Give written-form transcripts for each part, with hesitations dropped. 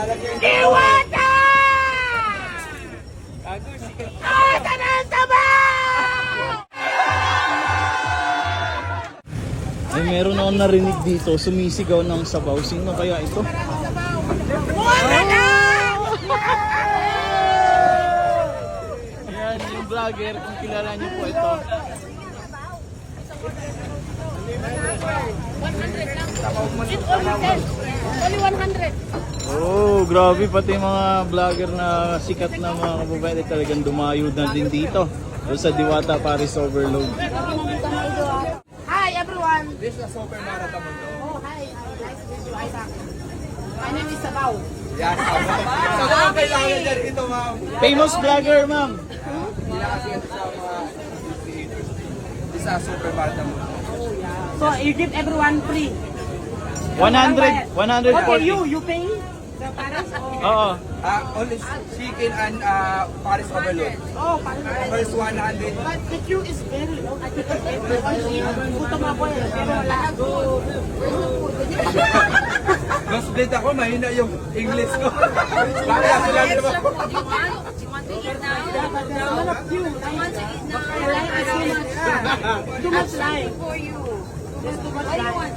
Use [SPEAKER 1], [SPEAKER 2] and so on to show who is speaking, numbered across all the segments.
[SPEAKER 1] Diwata! Asa na ang sabaw!
[SPEAKER 2] Ay, meron akong narinig dito, sumisigaw ng sabaw. Sino kaya ito?
[SPEAKER 1] Wala na!
[SPEAKER 2] Ayan, yung vlogger, kung kilala niyo po ito.
[SPEAKER 1] 100 lang. It's only 10. Only 100.
[SPEAKER 2] Oh, grabe, pati mga vlogger na sikat na mga kababayan talagang dumayo na din dito. Sa Diwata Paris Overload.
[SPEAKER 1] Hi everyone.
[SPEAKER 3] This is a super marathon mo to.
[SPEAKER 1] Oh, hi. Nice to meet you, Isaac. My name is Sabaw.
[SPEAKER 3] Yan, sabaw kailangan dyan ito, ma'am.
[SPEAKER 2] Famous vlogger, ma'am.
[SPEAKER 3] Hindi na kasi ito sa mga creators. This is a super marathon mo to.
[SPEAKER 1] So you give everyone free.
[SPEAKER 2] 100, 140.
[SPEAKER 1] Okay, you pay the Paris or
[SPEAKER 2] Oo.
[SPEAKER 3] Only chicken and Paris overload.
[SPEAKER 1] oh, Paris.
[SPEAKER 3] First 100.
[SPEAKER 1] But the queue is very long. I think everyone is gutom ako eh. Pero lahat go.
[SPEAKER 3] Mas split ako, mahina yung English ko. Bakit ako lang naman?
[SPEAKER 1] A lot of queue. I like it so much. Too much line. There's too much line.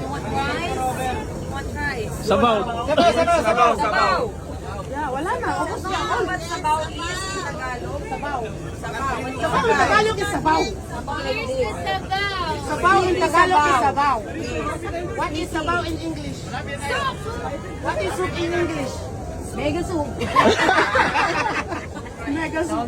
[SPEAKER 2] Sabaw.
[SPEAKER 3] Sabaw.
[SPEAKER 1] Yeah, wala na. Ubus na ako.
[SPEAKER 4] Sabaw is Tagalog.
[SPEAKER 1] Sabaw. Sabaw in Tagalog is sabaw. Sabaw in Tagalog is sabaw. What is sabaw in English? What is soup in English?
[SPEAKER 4] Mega soup.
[SPEAKER 1] Mega soup.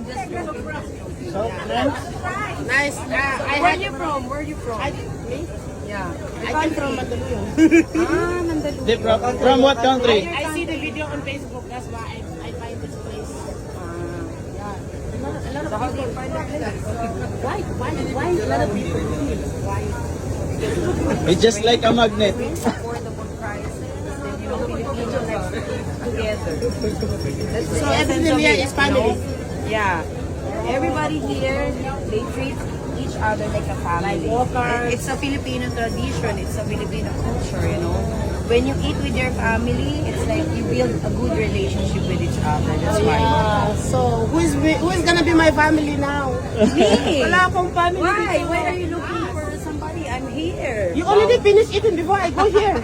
[SPEAKER 1] Nice.
[SPEAKER 4] Where you from? Where you from?
[SPEAKER 1] Me?
[SPEAKER 4] Yeah.
[SPEAKER 1] I came from Mandaluyong.
[SPEAKER 2] Di, from what country?
[SPEAKER 1] I see the video on Facebook. That's why I find this place. Yeah. A lot of people. Why? A lot of people. Why?
[SPEAKER 2] It's just like a magnet.
[SPEAKER 4] Affordable prices. Then you know, Filipino like together. That's the
[SPEAKER 1] So
[SPEAKER 4] essence
[SPEAKER 1] everything
[SPEAKER 4] of
[SPEAKER 1] here
[SPEAKER 4] it,
[SPEAKER 1] is family.
[SPEAKER 4] you know? Yeah. Everybody here, they treat each other like a family. It's a Filipino tradition. It's a Filipino culture, you know. When you eat with your family, it's like you build a good relationship with each other. That's why.
[SPEAKER 1] Yeah. So who is gonna be my family now?
[SPEAKER 4] Me?
[SPEAKER 1] Wala akong family.
[SPEAKER 4] Why?
[SPEAKER 1] dito.
[SPEAKER 4] Why are you looking for somebody? I'm here.
[SPEAKER 1] You already finished eating before I go here.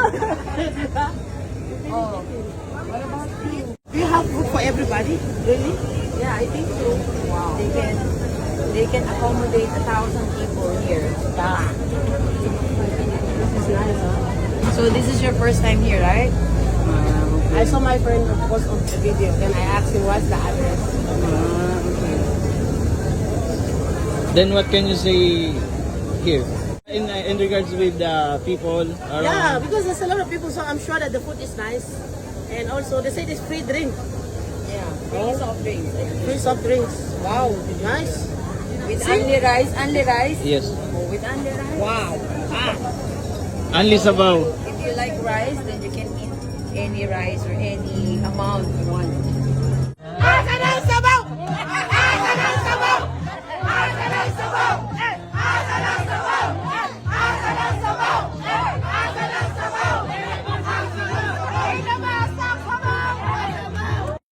[SPEAKER 4] Oh. What about you?
[SPEAKER 1] Do you have food for everybody? Really?
[SPEAKER 4] Yeah, I think so. Wow. They can accommodate 1,000 people here.
[SPEAKER 1] Yeah. This is nice, huh?
[SPEAKER 4] So this is your first time here, right?
[SPEAKER 1] I saw my friend post on the video, then I asked him what's the address.
[SPEAKER 2] Then what can you say here? In regards with the people around?
[SPEAKER 1] Yeah, because there's a lot of people, so I'm sure that the food is nice. And also, they say there's free drink.
[SPEAKER 4] Yeah. Free soft drinks.
[SPEAKER 1] Free soft drinks. Wow, nice.
[SPEAKER 4] With only rice,
[SPEAKER 2] Yes.
[SPEAKER 4] Oh, with only rice.
[SPEAKER 1] Wow.
[SPEAKER 2] Only sabaw.
[SPEAKER 4] If you like rice, then you can eat any rice or any amount you want.